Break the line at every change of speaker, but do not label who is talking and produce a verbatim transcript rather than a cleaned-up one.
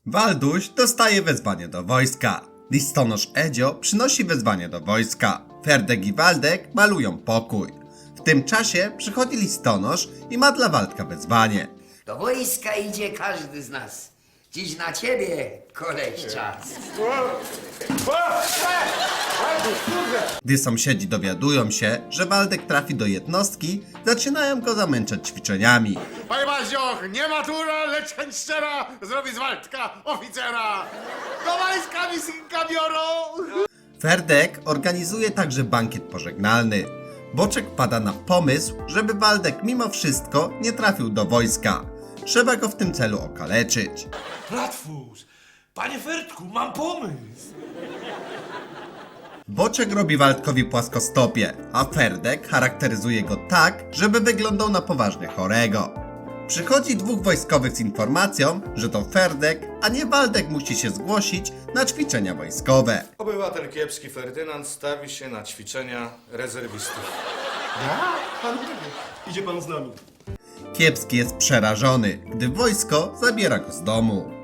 Walduś dostaje wezwanie do wojska. Listonosz Edzio przynosi wezwanie do wojska. Ferdek i Waldek malują pokój. W tym czasie przychodzi listonosz i ma dla Waldka wezwanie.
Do wojska idzie każdy z nas. Dziś na ciebie, koleś, czas.
Gdy sąsiedzi dowiadują się, że Waldek trafi do jednostki, zaczynają go zamęczać ćwiczeniami.
Panie Mazioch, nie matura, lecz chęć szczera zrobi z Waldka oficera. Do wojska mi synka biorą.
Ferdek organizuje także bankiet pożegnalny. Boczek pada na pomysł, żeby Waldek mimo wszystko nie trafił do wojska. Trzeba go w tym celu okaleczyć.
Bratwus, panie Ferdku, mam pomysł.
Boczek robi Waldkowi płaskostopie, a Ferdek charakteryzuje go tak, żeby wyglądał na poważnie chorego. Przychodzi dwóch wojskowych z informacją, że to Ferdek, a nie Waldek musi się zgłosić na ćwiczenia wojskowe.
Obywatel kiepski Ferdynand stawi się na ćwiczenia rezerwistów.
Idzie pan z nami.
Kiepski jest przerażony, gdy wojsko zabiera go z domu.